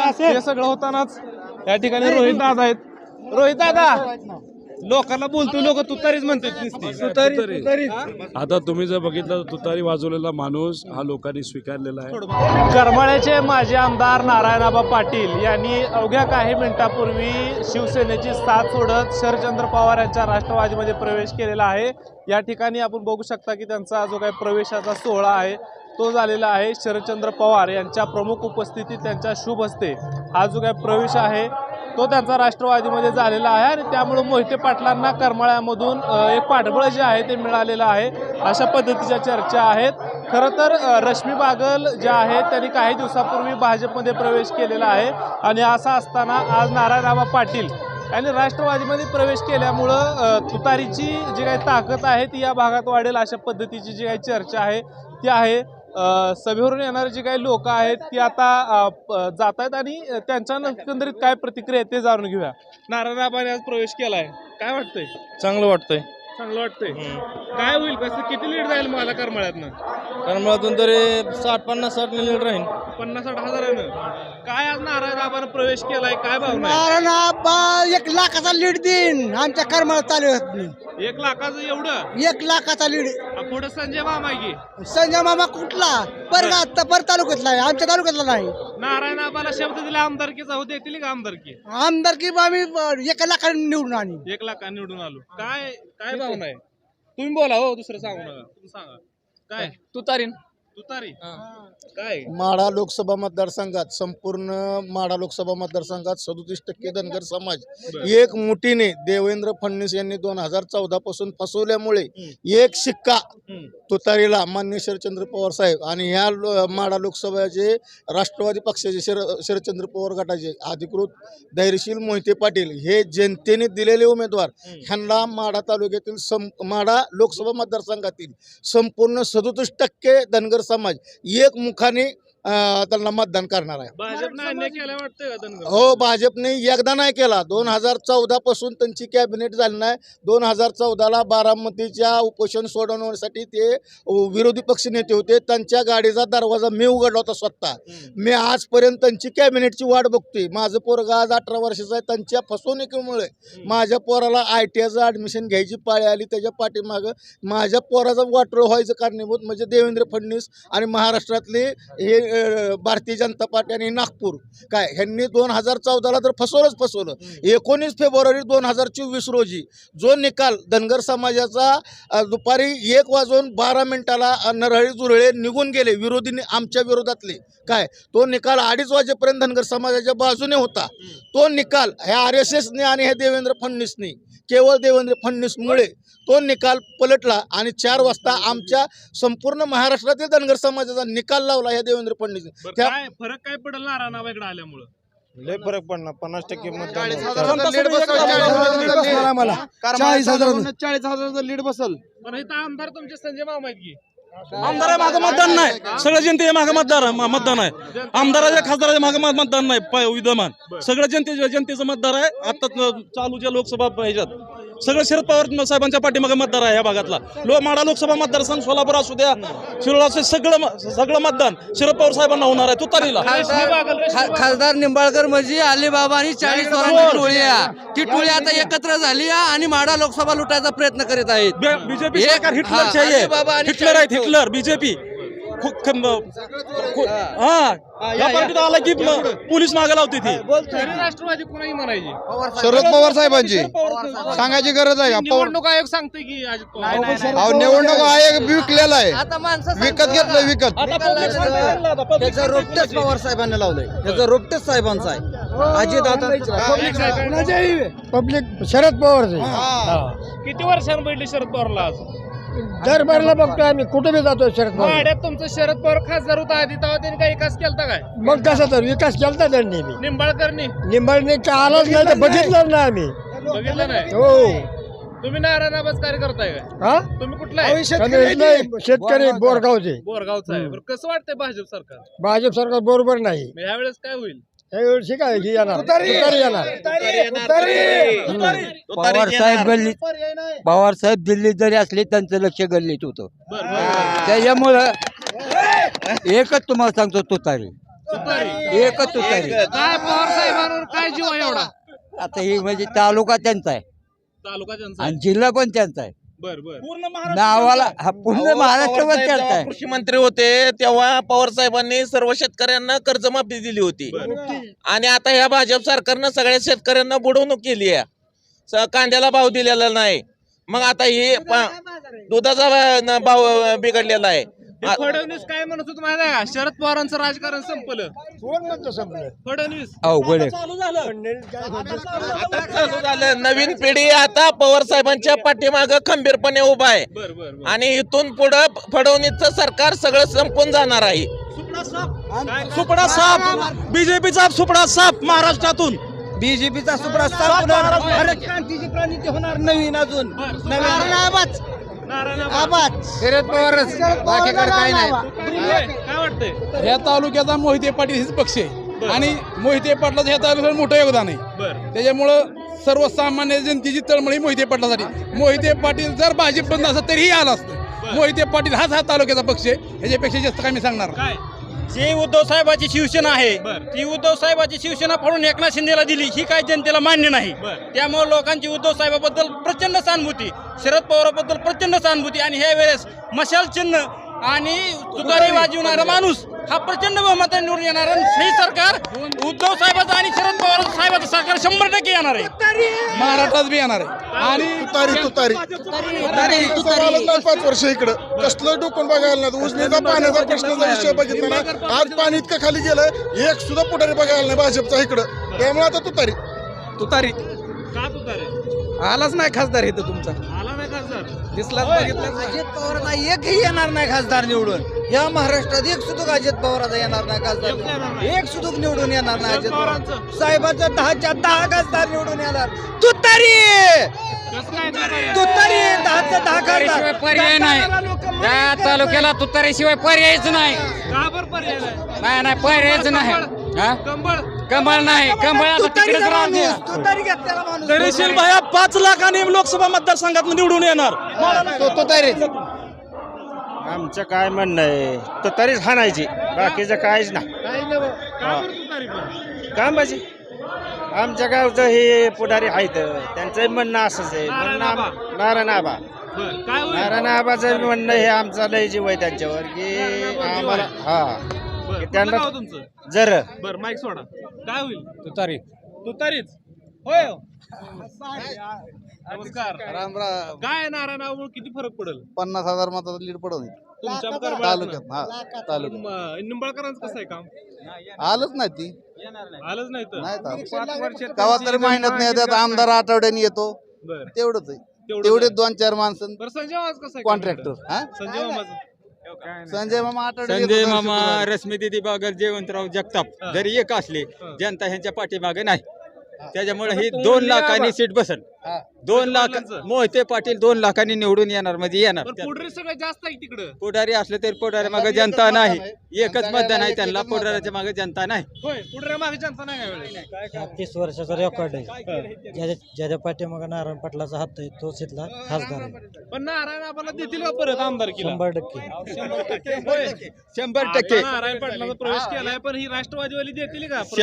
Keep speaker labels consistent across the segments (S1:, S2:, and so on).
S1: हे सगळं होतानाच या ठिकाणी रोहित दादा आहेत. रोहित दादा लोकांना बोलतो, लोक तुतारीच म्हणतात.
S2: आता तुम्ही जर बघितलं तुतारी वाजवलेला माणूस हा लोकांनी स्वीकारलेला आहे.
S1: करमाळ्याचे माजी आमदार नारायणआबा पाटील यांनी अवघ्या काही मिनिटापूर्वी शिवसेनेची साथ सोडत शरदचंद्र पवार यांच्या राष्ट्रवादीमध्ये प्रवेश केलेला आहे. या ठिकाणी आपण बघू शकता की त्यांचा जो काही प्रवेशाचा सोहळा आहे तो झालेला आहे. शरदचंद्र पवार यांच्या प्रमुख उपस्थितीत त्यांच्या शुभ हस्ते हा जो काही प्रवेश आहे तो त्यांचा राष्ट्रवादीमध्ये झालेला आहे आणि त्यामुळे मोहिते पाटलांना करमाळ्यामधून एक पाठबळ जे आहे ते मिळालेलं आहे, अशा पद्धतीच्या चर्चा आहेत. खरं तर रश्मी बागल ज्या आहेत त्यांनी काही दिवसापूर्वी भाजपमध्ये प्रवेश केलेला आहे आणि असं असताना आज नारायणआबा पाटील यांनी राष्ट्रवादीमध्ये प्रवेश केल्यामुळं तुतारीची जी काही ताकद आहे ती या भागात वाढेल अशा पद्धतीची जी काही चर्चा आहे ती आहे. सभेवरून येणारे जे काही लोक आहेत ती आता जात आहेत आणि त्यांच्या एकंदरीत काय प्रतिक्रिया आहे ते जाणून घेऊया. नारायणआबाने आज प्रवेश केलाय, काय वाटतंय?
S3: चांगलं वाटतंय.
S1: चांगलं वाटतंय. काय होईल, कसं किती लीड जाईल मला करमाळ्यातनं?
S3: करमाळ्यातून तरी 60-50 लीड राहील.
S1: 50-60 हजारानं. काय आज नारायणआबानं प्रवेश केलाय, काय भावना आहे?
S4: नारायणआबा 1 लाखाचा लीड देईन आमच्या करमाळा तालुक्यात.
S1: 1 लाखाचं एवढं?
S4: 1 लाखाचा लीड.
S1: पुढे संजय मामा की
S4: संजय मामा कुठला पर तालुक्यातला आहे, आमच्या तालुक्यातला नाही.
S1: नारायणआबाला शब्द दिला आमदारकीचा, हो देतील का आमदारकी?
S4: आमदारकी आम्ही 1 लाखाने निवडून आणू.
S1: 1 लाखाने निवडून आलो. काय काय भावना आहे? तुम्ही बोला हो, दुसरं सांगू नका, तुम्ही सांगा. काय
S3: तुतारीन
S1: तुतारी काय?
S5: माढा लोकसभा मतदारसंघात संपूर्ण माढा लोकसभा मतदारसंघात 37% धनगर समाज एक मुठीने देवेंद्र फडणवीस यांनी 2014 पासून फसवल्यामुळे एक शिक्का तुतारीला मान्य शरदचंद्र पवार साहेब आणि ह्या माढा लोकसभेचे राष्ट्रवादी पक्षाचे शरदचंद्र पवार गटाचे अधिकृत धैर्यशील मोहिते पाटील हे जनतेने दिलेले उमेदवार ह्यांना माढा तालुक्यातील माढा लोकसभा मतदारसंघातील संपूर्ण 37% धनगर समाज एक मुखाने त्यांना मतदान करणार आहे.
S1: भाजपने अन्याय केला वाटतंय का धनगर?
S5: हो, भाजपने एकदा नाही केला. 2014 पासून त्यांची कॅबिनेट झाली नाही. 2014ला बारामतीच्या उपोषण सोडवण्यासाठी ते विरोधी पक्ष नेते होते, त्यांच्या गाडीचा दरवाजा मी उघडला होता स्वतः. मी आजपर्यंत त्यांची कॅबिनेटची वाट बघतोय. माझं पोरगा आज 18 वर्षाचं आहे. त्यांच्या फसवणुकीमुळे माझ्या पोराला ITIचं ॲडमिशन घ्यायची पाळी आली. त्याच्या पाठीमागं माझ्या पोराचं वाटोळ व्हायचं कारणीभूत म्हणजे देवेंद्र फडणवीस आणि महाराष्ट्रातले हे भारतीय जनता पार्टी आणि नागपूर काय ह्यांनी 2014ला तर फसवलं. 19 फेब्रुवारी 2024 रोजी जो निकाल धनगर समाजाचा दुपारी 1:12 नरहळी जुरळे निघून गेले विरोधी आमच्या विरोधातले काय, तो निकाल 2:30 वाजेपर्यंत धनगर समाजाच्या बाजूने होता. तो निकाल ह्या RSSने आणि ह्या देवेंद्र फडणवीसने केवळ देवेंद्र फडणवीसमुळे तो निकाल पलटला आणि 4 वाजता आमच्या संपूर्ण महाराष्ट्रातील धनगर समाजाचा निकाल लावला या देवेंद्र फडणवीसने.
S1: काय फरक काय पडेल नारायणआबाकडे आल्यामुळं?
S3: लय फरक पडणार. 50% मतदान.
S4: 40,000 लीड बसल.
S1: पण इथं आमदार तुमचे संजय मामा आहेत की?
S6: आमदार मागं मतदान नाही, सगळं जनते मागं मतदान आहे. आमदाराच्या खासदाराच्या मागं मतदान नाही विद्यमान. सगळं जनतेचं मतदार आहे. आता चालूच्या लोकसभा ह्याच्यात सगळं शरद पवार साहेबांच्या पाठीमागे मतदार आहे. ह्या भागातला माढा लोकसभा मतदारसंघ, सोलापूर असू द्या, शिरोळ असू, सगळं मतदान शरद पवार साहेबांना होणार आहे तुतारीला.
S7: खासदार निंबाळकर म्हणजे अलीबाबा आणि 40 वरांची टोळी आहे. ती टोळी आता एकत्र झाली आहे आणि माढा लोकसभा लुटायचा प्रयत्न करीत आहेत.
S6: बीजेपी सरकार हिटलरची आहे. हिटलर आहेत, हिटलर बीजेपी. आला की पोलीस मागे लावते ती.
S1: राष्ट्रवादी कोणाही म्हणायची?
S3: शरद पवार साहेबांची सांगायची गरज आहे.
S1: निवडणूक आयोग सांगते की अजित पवार.
S3: निवडणूक आयोग विकलेला आहे,
S7: आता माणसं
S3: विकत घेतलं विकत.
S4: त्याचं रोपटेच पवार साहेबांनी लावलंय. त्याचं रोपटेच साहेबांचं आहे. अजित आता
S5: पब्लिक शरद पवारचे.
S1: किती वर्षांनी बैठली शरद पवारला? आज
S5: दरबारला बघतोय आम्ही, कुठे बी जातोय शरद पवार.
S1: वाड्यात तुमचं शरद पवार खासदार होता आधी, तेव्हा त्यांनी काही विकास केलता काय?
S5: मग कसा तर विकास केलता त्यांनी.
S1: निंबाळकरनी
S5: निंबाळने आलाच नाही तर बघितलं ना आम्ही.
S1: बघितलं नाही?
S5: हो.
S1: तुम्ही नारायणआबाच कार्य करताय का?
S5: हा,
S1: तुम्ही कुठला आहे?
S5: शेतकरी बोरगावचे.
S1: बोरगावचा आहे. बरं, कसं वाटतंय भाजप सरकार?
S5: भाजप सरकार बरोबर नाही.
S1: यावेळेस काय होईल?
S5: यावेळी काय येणार तुतारी येणार.
S7: पवार साहेब दिल्लीत जरी असले त्यांचं लक्ष गल्लीत होतं. त्याच्यामुळं एकच तुम्हाला सांगतो तुतारी.
S1: तुतारी.
S7: एकच तुतारी.
S1: काय पवार साहेबांवर काय जीव आहे एवढा?
S7: आता ही म्हणजे तालुका त्यांचा आहे
S1: तालुका त्यांचा
S7: आणि जिल्हा पण त्यांचा आहे.
S1: बर बर.
S7: नावाला पूर्ण महाराष्ट्रभर त्यांचा आहे.
S8: कृषी मंत्री होते तेव्हा पवार साहेबांनी सर्व शेतकऱ्यांना कर्जमाफी दिली होती आणि आता ह्या भाजप सरकारनं सगळ्या शेतकऱ्यांना बुडवणूक केली आहे. कांद्याला भाव दिलेला नाही. मग आता हे दुधाचा भाव बिघडलेला आहे.
S1: हे फडणवीस काय म्हणत होत माहिती आहे का? शरद पवारांचं राजकारण संपलं. फडणवीस
S7: अवघड आहे.
S8: आता चालू झालं. नवीन पिढी आता पवार साहेबांच्या पाठीमागं खंबीरपणे उभा आहे
S1: बर बर बर.
S8: आणि इथून पुढे फडणवीसचं सरकार सगळं संपून जाणार आहे.
S6: सुपडा साप बीजेपीचा सुपडा साप महाराष्ट्रातून.
S4: बीजेपीचा सुप्रस्ताव क्रांतीची प्रणिती होणार नवीन अजून
S3: शरद पवारच बाकीकडे काही नाही.
S1: काय वाटतंय?
S9: ह्या तालुक्याचा मोहिते पाटील हेच पक्ष आहे आणि मोहिते पाटलाचं ह्या तालुक्यात मोठं योगदान आहे.
S1: बर
S9: त्याच्यामुळं सर्वसामान्य जनतेची तळमळी मोहिते पाटलासाठी. मोहिते पाटील जर भाजप बंद असत तरीही आला असतं. मोहिते पाटील हाच हा तालुक्याचा पक्ष आहे. ह्याच्यापेक्षा जास्त काय मी सांगणार
S1: काय?
S6: जी उद्धव साहेबाची शिवसेना आहे
S1: बर.
S6: ती उद्धव साहेबाची शिवसेना फोडून एकनाथ शिंदेला दिली ही काय जनतेला मान्य नाही.
S1: बर.
S6: त्यामुळे लोकांची उद्धव साहेबाबद्दल प्रचंड सहानुभूती, शरद पवाराबद्दल प्रचंड सहानुभूती आणि ह्या वेळेस मशाल चिन्ह आणि तुतारी वाजवणारा माणूस हा प्रचंड बहुमताने निवडून येणार. हे सरकार उद्धव साहेबाचं आणि शरद पवार साहेबाचं सरकार 100% येणार आहे.
S9: महाराष्ट्रात बी येणार आहे. आणि
S5: तुतारी 5 वर्ष इकडं कसलं डोकून बघायला नाही. उजनीचा पाण्याचा प्रश्नाचा विषय बघितला ना, आज पाणी इतकं खाली गेलं एक सुद्धा पुढारी बघायला नाही भाजपचा इकडं. त्यामुळे आता तुतारी
S1: का तुतारी?
S9: आलाच नाही खासदार इथं तुमचा.
S1: आला नाही खासदार?
S9: दिसलाच बघितलं.
S4: अजित पवारांना एकही येणार नाही खासदार निवडून. या महाराष्ट्रात एक सुतूक अजित पवारांचा येणार नाही खासदार. एक सुतूक निवडून येणार नाही अजित पवार साहेबांचा 10च्या 10 खासदार निवडून येणार. तुतारी
S1: कसं काय तुतारी?
S4: तुतारी 10च्या 10 खासदार.
S7: पर्याय नाही. या तालुक्याला तुतारीशिवाय पर्यायच नाही.
S1: का बरं पर्याय नाही?
S7: नाही पर्यायच नाही. हा?
S1: कंबळ
S7: कमळ नाही. कमळ आता तिकडेच
S4: तुतारीचा
S7: राहते.
S4: माणूस, तुतारी घेतलेला माणूस.
S6: तरीशील भाया 5 लाखांनी लोकसभा मतदारसंघात निवडून येणार.
S10: आमचं काय म्हणणं आहे तुतारीच हाणायची बाकीचं काहीच नाही.
S1: का बरं तुतारी पण?
S10: काय म्हणजे आमच्या गावचं हे पुढारी आहेत त्यांचं म्हणणं असंच आहे. नारायण आबा
S1: बर. काय होईल?
S10: नारायण आबाचं म्हणणं हे आमचा लय जीव आहे त्यांच्यावर की आम्हाला हा
S1: बर.
S10: त्यांना-
S1: कुठलं गाव तुमचं?
S10: जर
S1: बर माईक सोडा. काय होईल?
S9: तुतारी.
S1: तुतारीच होय हो. नमस्कार. काय नारायणामुळे किती फरक पडेल
S3: 50,000 मताचा लीड पडून
S1: तुमच्या
S3: तालुक्यात. हा तालुक्यात
S1: निंबाळकरांचं कसं आहे काम?
S3: आलंच नाही ती
S1: आलंच नाही तर.
S3: नाही गावात तरी महिन्यात नाही त्यात आमदार आठवड्याने येतो
S1: बर.
S3: तेवढंच आहे.
S1: तेवढंच
S3: तेवढे
S1: आहे.
S3: 2-4 माणसं
S1: बरं संजय मामा कसं आहे?
S3: कॉन्ट्रॅक्टर. हा
S1: संजय मामाचं
S3: संजय मामा आठवड्यात
S7: संजय
S3: येतो
S7: मामा,
S3: शुक्रवारी.
S7: रश्मीदिदी बागल, जयवंतराव जगताप जरी एक असले जनता ह्यांच्या पाठीमागे नाही. त्याच्यामुळे ही 2 लाखांनी सीट बसल. 2 लाख मोहिते पाटील 2 लाखांनी निवडून येणार म्हणजे येणार.
S1: पण पुढे सगळं जास्त आहे तिकडं.
S7: पुढारी असले तरी पुढारी मागे जनता नाही. एकच मतदान आहे त्यांना. पुढाऱ्याच्या मागे जनता नाही.
S1: होय पुढे मागे जनता नाही यावेळेस.
S11: 30 वर्षाचा रेकॉर्ड आहे. ज्याच्या पाठीमागे नारायण पाटलाचा हात आहे तोच इथला खासदार आहे.
S1: पण नारायण आम्हाला देतील का परत आमदारकीला?
S11: 100%.
S7: 100%
S1: नारायण पाटलाचा प्रवेश केलाय पण ही राष्ट्रवादीवाली देतील का प्रवेश?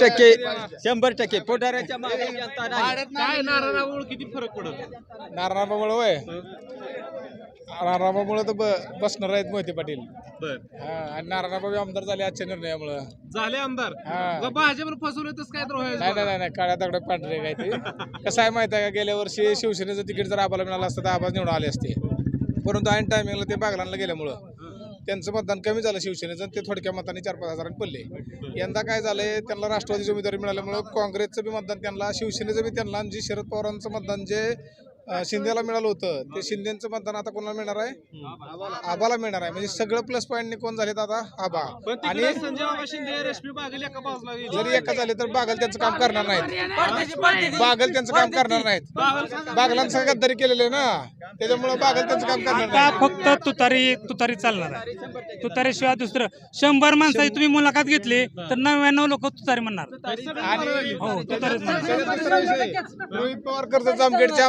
S7: 100% पुढाऱ्याच्या मागे जनता नाही.
S1: काय नारायणामुळे किती फरक पडत?
S9: नारायणरावामुळे होय. नारायणरावामुळे तर बसणार आहेत मोहिते पाटील.
S1: बर.
S9: आणि नारायणराव आमदार झाले आजच्या निर्णयामुळे.
S1: झाले आमदार
S9: हा.
S1: भाजपनं फसवलं तसं काय तर
S9: नाही
S1: व्हायचं.
S9: नाही नाही काळ्या दगडात पांढरे काय ते. कसं आहे माहिती आहे का, गेल्या वर्षी शिवसेनेचं तिकीट जर आबाला मिळालं असतं तर आबाज निवडून आले असते. परंतु ऐन टायमिंगला ते बागलांना गेल्यामुळं त्यांचं मतदान कमी झालं शिवसेनेचं. ते थोडक्या मताने 4-5 हजारांनी पडले. यंदा काय झालंय, त्यांना राष्ट्रवादीची उमेदवारी मिळाल्यामुळं काँग्रेसचं बी मतदान त्यांना, शिवसेनेचं बी त्यांना, आणि जे शरद पवारांचं मतदान जे शिंदेला मिळालं होतं ते शिंदेचं मतदान आता कोणाला मिळणार आहे? आबाला मिळणार आहे. म्हणजे सगळं प्लस पॉईंटने कोण झालेत आता? आबा.
S1: पण
S9: आणि
S1: तिकडे संजय मामा शिंदे रश्मी बागेल एका बाजूला गेली.
S9: जरी एका झाले तर बागल त्यांचं काम करणार नाहीत. बागल त्यांचं काम करणार नाहीत. बागलांचं गद्दारी केलेलं आहे ना, त्याच्यामुळे बागल त्यांचं काम करणार नाही.
S11: फक्त तुतारी चालणार आहे. तुतारीशिवाय दुसरं 100 माणसाची तुम्ही मुलाखत घेतली तर 99 लोक तुतारी म्हणणार.
S9: आणि
S11: हो तुतारीच म्हणणार.
S9: दुसरा विषय, रोहित पवार कर्जत जामखेडचे आमदार असल्यामुळे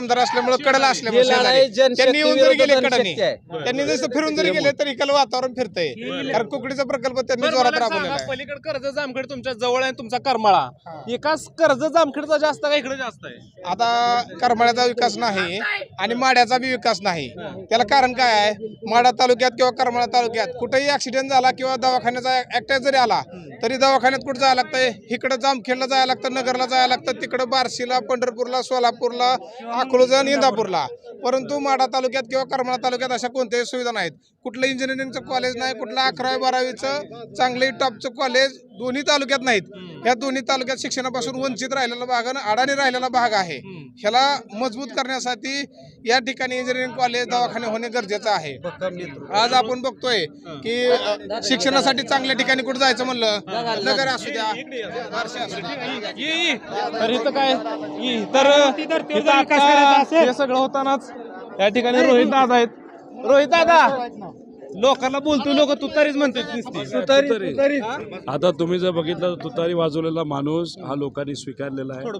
S9: त्यामुळे कडला असल्यामुळे शेजारी. त्यांनी येऊन जरी गेले कडाने, त्यांनी जसं फिरून जरी गेले तरी इकडलं वातावरण फिरतंय. कारण कुकडीचा प्रकल्प त्यांनी जोरात राबवलेला आहे.
S1: पलीकडे कर्ज जामखेड तुमच्या जवळ आहे, तुमचा करमाळा एकाच कर्ज जामखेडचा जास्त का इकडे जास्त आहे?
S9: आता करमाळ्याचा विकास नाही आणि माड्याचा बी विकास नाही. त्याला कारण काय आहे? माडा तालुक्यात किंवा करमाळा तालुक्यात कुठेही ऍक्सिडेंट झाला किंवा दवाखान्याचा अटॅक जरी आला तरी दवाखान्यात कुठं जायला लागतंय? इकडं जामखेडला जायला लागतं, नगरला जायला लागतं, तिकडं बार्शीला, पंढरपूरला, सोलापूरला, अकलूजला, इंदापूरला. परंतु माडा तालुक्यात किंवा करमाळा तालुक्यात अशा कोणत्याही सुविधा नाहीत. कुठलं इंजिनिअरिंगचं कॉलेज नाही, कुठलं 11वी-12वीचं चांगले टॉपचं कॉलेज दोन्ही तालुक्यात नाहीत. ह्या दोन्ही तालुक्यात शिक्षणापासून वंचित राहिलेला भाग आणि अडाणी राहिलेला भाग आहे. ह्याला मजबूत करण्यासाठी या ठिकाणी इंजिनिअरिंग कॉलेज, दवाखाने होणे गरजेचं आहे. आज आपण बघतोय की शिक्षणासाठी चांगल्या ठिकाणी कुठे जायचं म्हणलं, नगर असू द्या, बार्शी असू द्या.
S1: तर इथं काय तर इथं आता हे सगळं होतानाच या ठिकाणी रोहित दादा आहेत. रोहित दादा, लोकांना बोलतो, लोक तुतारीच म्हणतात.
S2: आता तुम्ही जर बघितलं तर तुतारी वाजवलेला माणूस हा लोकांनी स्वीकारलेला आहे.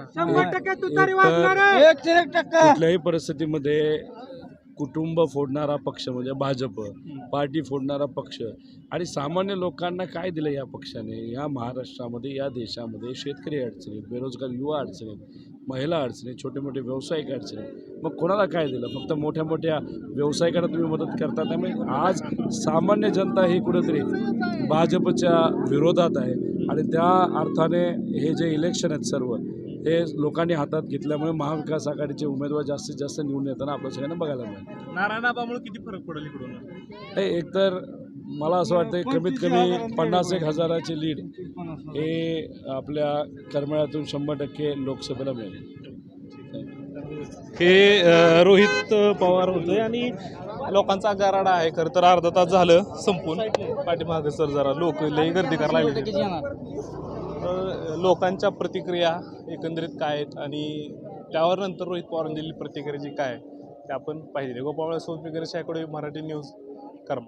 S2: कुठल्याही परिस्थितीमध्ये कुटुंब फोडणारा पक्ष म्हणजे भाजप, पार्टी फोडणारा पक्ष आणि सामान्य लोकांना काय दिलं या पक्षाने? या महाराष्ट्रामध्ये, या देशामध्ये शेतकरी अडचणीत, बेरोजगार युवा अडचणीत, महिला अडचणीत, छोटे मोठे व्यावसायिक अडचणीत. मग कोणाला काय दिलं? फक्त मोठ्या मोठ्या व्यावसायिकांना तुम्ही मदत करता. त्यामुळे आज सामान्य जनता ही कुठेतरी भाजपच्या विरोधात आहे आणि त्या अर्थाने हे जे इलेक्शन आहेत सर्व हे लोकांनी हातात घेतल्यामुळे महाविकास आघाडीचे उमेदवार जास्तीत जास्त निवडून येताना आपल्या सगळ्यांना बघायला मिळेल.
S1: नारायणाबामुळे किती फरक पडेल इकडून?
S2: एकतर मला असं वाटतं कमीत कमी 50,000 लीड हे आपल्या करमाळ्यातून 100% लोकसभेला मिळेल.
S1: हे रोहित पवार होते आणि लोकांचा गराडा आहे. खरं तर अर्धा तास झालं संपून पाठीमागे सर जरा लोक लई गर्दी करायला लागली. लोकांच्या प्रतिक्रिया एकंदरीत काय आहेत आणि त्यावर नंतर रोहित पवारांनी दिलेली प्रतिक्रिया जी काय ते आपण पाहिजे. गोपाळ सोनपेकर शाकडे, मराठी न्यूज,